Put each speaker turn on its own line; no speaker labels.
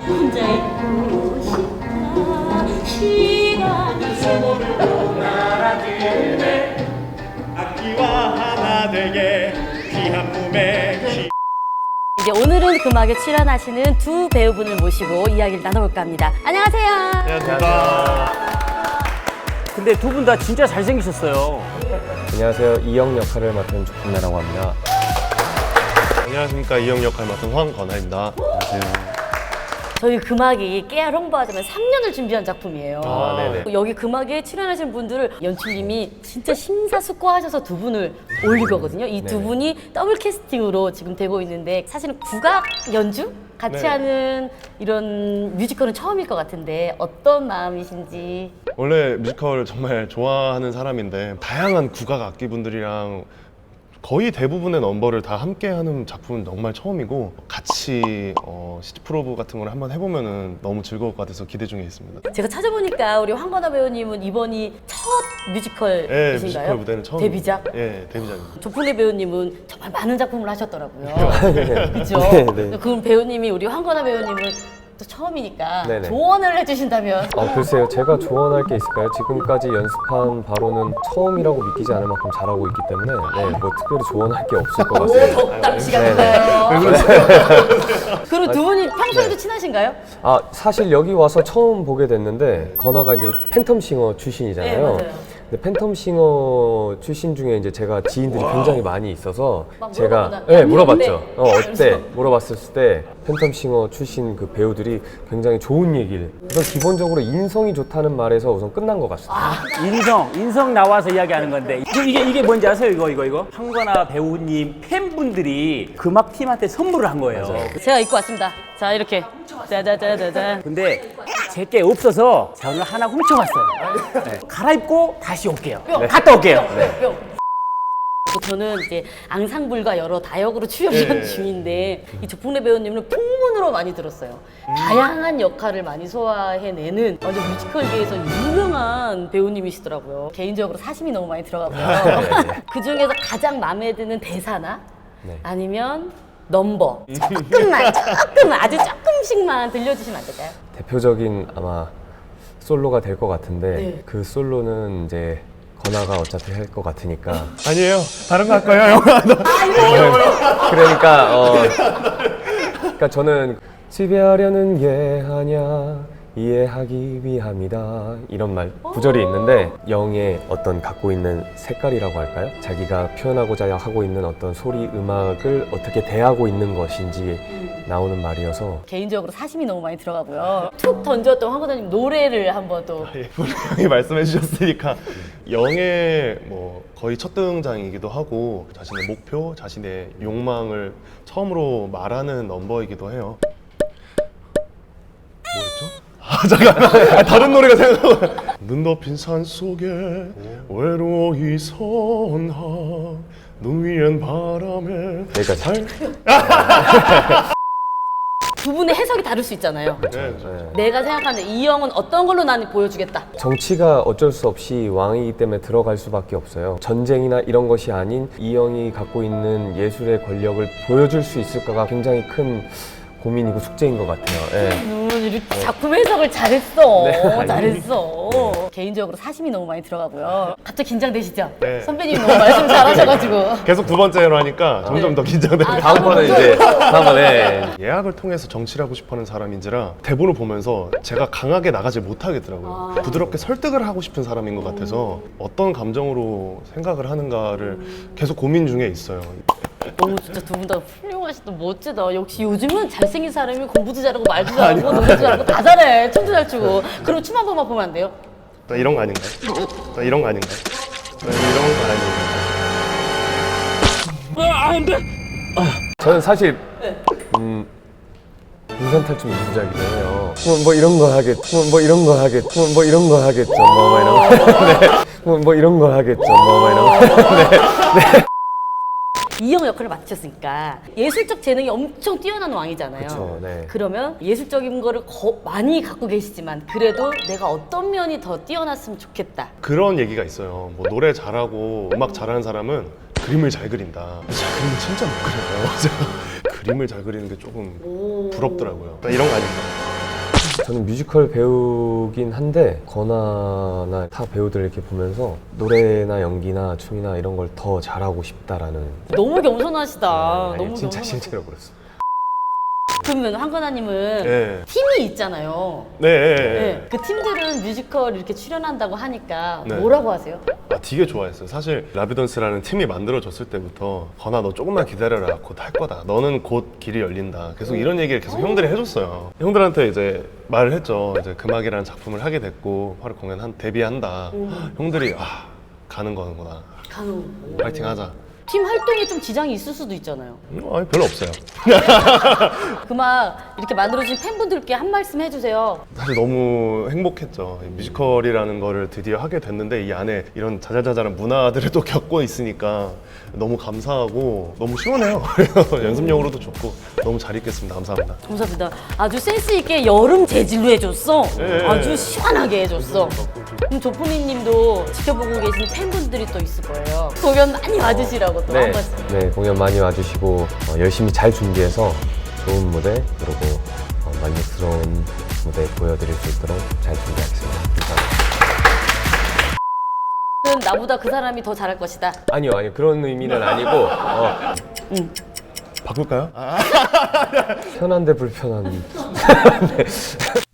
혼자 있고 싶다 시간이
서로를 날아들네 악기와 하나 되게 귀한 몸에
이제 오늘은 금악에 출연하시는 두 배우분을 모시고 이야기를 나눠볼까 합니다. 안녕하세요.
안녕하십니까.
근데 두 분 다 진짜 잘생기셨어요.
안녕하세요. 이영 역할을 맡은 조품래라고 합니다.
안녕하십니까. 이영 역할 맡은 황건아입니다. 안녕하세요.
저희 금악이 깨알 홍보하자면 3년을 준비한 작품이에요.
아, 네네.
여기 금악에 출연하신 분들을 연출님이 진짜 심사숙고하셔서 두 분을 올릴 거거든요. 이 두
네네.
분이 더블 캐스팅으로 지금 되고 있는데 사실은 국악 연주 같이
네.
하는 이런 뮤지컬은 처음일 것 같은데 어떤 마음이신지.
원래 뮤지컬 정말 좋아하는 사람인데 다양한 국악 악기분들이랑 거의 대부분의 넘버를 다 함께 하는 작품은 정말 처음이고 같이 시티 프로브 같은 걸 한번 해보면은 너무 즐거울 것 같아서 기대 중에 있습니다.
제가 찾아보니까 우리 황건아 배우님은 이번이 첫 뮤지컬이신가요?
예, 뮤지컬 무대는 처음.
데뷔작?
예, 데뷔작입니다.
조풍래 배우님은 정말 많은 작품을 하셨더라고요. 그렇죠?
네, 네.
그럼 배우님이 우리 황건아 배우님은 또 처음이니까
네네.
조언을 해주신다면
글쎄요. 제가 조언할 게 있을까요? 지금까지 연습한 바로는 처음이라고 믿기지 않을 만큼 잘하고 있기 때문에 뭐 특별히 조언할 게 없을 것 같습니다.
덕담시가
네네.
나요. 그리고 두 분이 평소에도 친하신가요?
사실 여기 와서 처음 보게 됐는데 건아가 이제 팬텀싱어 출신이잖아요.
네, 맞아요.
근데 팬텀싱어 출신 중에 이제 제가 지인들이 굉장히 많이 있어서
막
제가
물어보나?
물어봤죠. 어때?
이러면서.
물어봤을 때 팬텀싱어 출신 그 배우들이 굉장히 좋은 얘기를. 우선 기본적으로 인성이 좋다는 말에서 우선 끝난 것 같습니다.
인성 나와서 이야기하는 건데 이게 뭔지 아세요? 이거 황건아 배우님 팬분들이 금악 팀한테 선물을 한 거예요.
제가 입고 왔습니다. 자 이렇게 짜자자자자.
근데 제게 없어서 제가 오늘 하나 훔쳐왔어요. 네. 갈아입고 다시 올게요. 갔다 올게요.
저는 이제 앙상블과 여러 다역으로 출연 중인데 이 조풍래 배우님은 풍문으로 많이 들었어요. 다양한 역할을 많이 소화해내는 완전 뮤지컬계에서 유명한 배우님이시더라고요. 개인적으로 사심이 너무 많이 들어가고요. 그 중에서 가장 마음에 드는 대사나
네.
아니면 넘버 조금만 아주 조금씩만 들려주시면 안 될까요?
대표적인 아마 솔로가 될 것 같은데
네.
그 솔로는 이제 건아가 어차피 할 것 같으니까
아니에요. 다른 거 할 거예요, 영화.
그러니까 저는 지배하려는 게 아냐 이해하기 위함이다 이런 말 구절이 있는데 영의 어떤 갖고 있는 색깔이라고 할까요? 자기가 표현하고자 하고 있는 어떤 소리 음악을 어떻게 대하고 있는 것인지 나오는 말이어서
개인적으로 사심이 너무 많이 들어가고요. 툭 던졌던 황건아님 노래를 한번 또
예, 분명히 말씀해 주셨으니까 영의 뭐 거의 첫 등장이기도 하고 자신의 목표, 자신의 욕망을 처음으로 말하는 넘버이기도 해요. 뭐였죠? 잠깐 다른 노래가 생각나고 눈 덮인 산 속에 외로이 선하 눈 위엔 바람에
여기까지.
두 분의 해석이 다를 수 있잖아요.
네,
내가 생각하는 이 형은 어떤 걸로 나는 보여주겠다.
정치가 어쩔 수 없이 왕이기 때문에 들어갈 수밖에 없어요. 전쟁이나 이런 것이 아닌 이 형이 갖고 있는 예술의 권력을 보여줄 수 있을까가 굉장히 큰 고민이고 숙제인 것 같아요.
이렇게 작품 해석을 잘했어.
네.
잘했어. 개인적으로 사심이 너무 많이 들어가고요. 갑자기 긴장되시죠?
네.
선배님이 너무 말씀 잘하셔가지고.
계속 두 번째로 하니까 점점 더 긴장돼요.
다음번에
예약을 통해서 정치를 하고 싶어하는 사람인지라 대본을 보면서 제가 강하게 나가지 못하겠더라고요. 부드럽게 설득을 하고 싶은 사람인 것 같아서 어떤 감정으로 생각을 하는가를 계속 고민 중에 있어요.
너무 진짜 두 분 다 훌륭하시다. 멋지다. 역시 요즘은 잘생긴 사람이 공부도 잘하고 말도 잘하고 노래도 잘하고 다 잘해. 춤도 잘 추고. 그럼 춤 한 번만 보면 안 돼요?
나 이런 거 아닌가요? 나 이런 거 아닌가요? 나 이런 거 아닌가요?
저는 사실 유선 탈춤 이부작이긴 해요. 뭐 이런 거 하겠, 뭐 이런 거 하겠, 뭐 이런 거 하겠죠, 뭐 이런 거. 네. 뭐 이런 거 하겠죠, 뭐 이런 거. 네.
이형 역할을 맡으셨으니까 예술적 재능이 엄청 뛰어난 왕이잖아요.
그쵸, 네.
그러면 예술적인 거를 많이 갖고 계시지만 그래도 내가 어떤 면이 더 뛰어났으면 좋겠다.
그런 얘기가 있어요. 뭐 노래 잘하고 음악 잘하는 사람은 그림을 잘 그린다. 제가 그림을 진짜 못 그려요. 제가 그림을 잘 그리는 게 조금 부럽더라고요. 나 이런 거 아닌가요?
저는 뮤지컬 배우긴 한데 건아나 타 배우들 이렇게 보면서 노래나 연기나 춤이나 이런 걸 더 잘하고 싶다라는
너무 겸손하시다.
아니,
너무
진짜
겸손하시다.
실제로 그랬어요.
그러면 황건아님은
네.
팀이 있잖아요.
네.
네. 그 팀들은 뮤지컬 이렇게 출연한다고 하니까
네.
뭐라고 하세요?
아, 되게 좋아했어요. 사실 라비던스라는 팀이 만들어졌을 때부터 건아 너 조금만 기다려라. 곧 할 거다. 너는 곧 길이 열린다. 계속 이런 얘기를 계속 형들이 해줬어요. 형들한테 이제 말을 했죠. 이제 금악이라는 작품을 하게 됐고 8월 공연 데뷔한다. 형들이 가는 거는구나.
간호.
파이팅 하자.
팀 활동에 좀 지장이 있을 수도 있잖아요.
아니 별로 없어요.
그만 이렇게 만들어주신 팬분들께 한 말씀 해주세요.
사실 너무 행복했죠. 이 뮤지컬이라는 거를 드디어 하게 됐는데 이 안에 이런 자잘자잘한 문화들을 또 겪고 있으니까 너무 감사하고 너무 시원해요. 그래서 연습용으로도 좋고 너무 잘 있겠습니다. 감사합니다.
감사합니다. 아주 센스 있게 여름 재질로 해줬어.
네.
아주 시원하게 해줬어. 그럼 조포미님도 지켜보고 계신 팬분들이 또 있을 거예요. 공연 많이 와주시라고 또 한 말씀.
네, 공연 많이 와주시고 열심히 잘 준비해서 좋은 무대 그리고 만족스러운 무대 보여드릴 수 있도록 잘 준비하겠습니다. 감사합니다.
나보다 그 사람이 더 잘할 것이다.
아니요, 그런 의미는 아니고
바꿀까요?
편한데 불편한. 네.